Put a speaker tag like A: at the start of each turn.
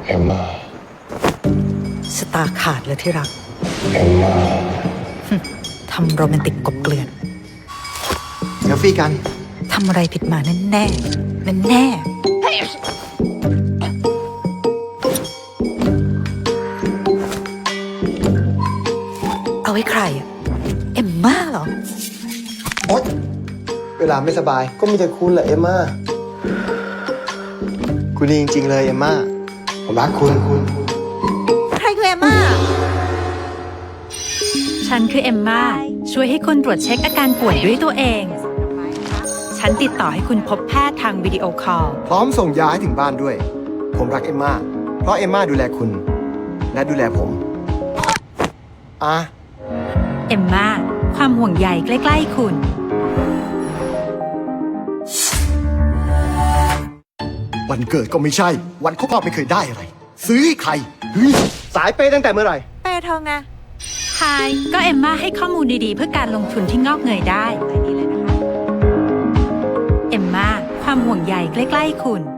A: เอมมา
B: ชะตาขาดเลยที่รัก
A: เอมมา
B: ทำโรแมนติกกบเกลื่อน
C: เซลฟี่กัน
B: ทำอะไรผิดมาแน่แน่แน่แน่เอาไว้ใครอะเอมม่าเหรอ
C: โอ๊ยเวลาไม่สบายก็มีแต่คุณแหละเอมม่าคุณดีจริงๆเลยเอมม่าผมรักคุณ
B: ใครคือเอมม่า
D: ฉันคือเอมม่าช่วยให้คุณตรวจเช็คอาการป่วยด้วยตัวเอง ฉันติดต่อให้คุณพบแพทย์ทางวิดีโอคอล
C: พร้อมส่งยาให้ถึงบ้านด้วย ผมรักเอมม่าเพราะเอมม่าดูแลคุณและดูแลผม
D: เอมม่าความห่วงใยใกล้ๆคุณ
C: วันเกิดก็ไม่ใช่วันครบรอบไม่เคยได้อะไรซื้อให้ใครสายเปย์ตั้งแต่เมื่อไหร่
B: เปย์ทองไง
D: ไฮก็เอมม่าให้ข้อมูลดีๆเพื่อการลงทุนที่งอกเงยได้เอมม่าความห่วงใยใกล้ๆคุณ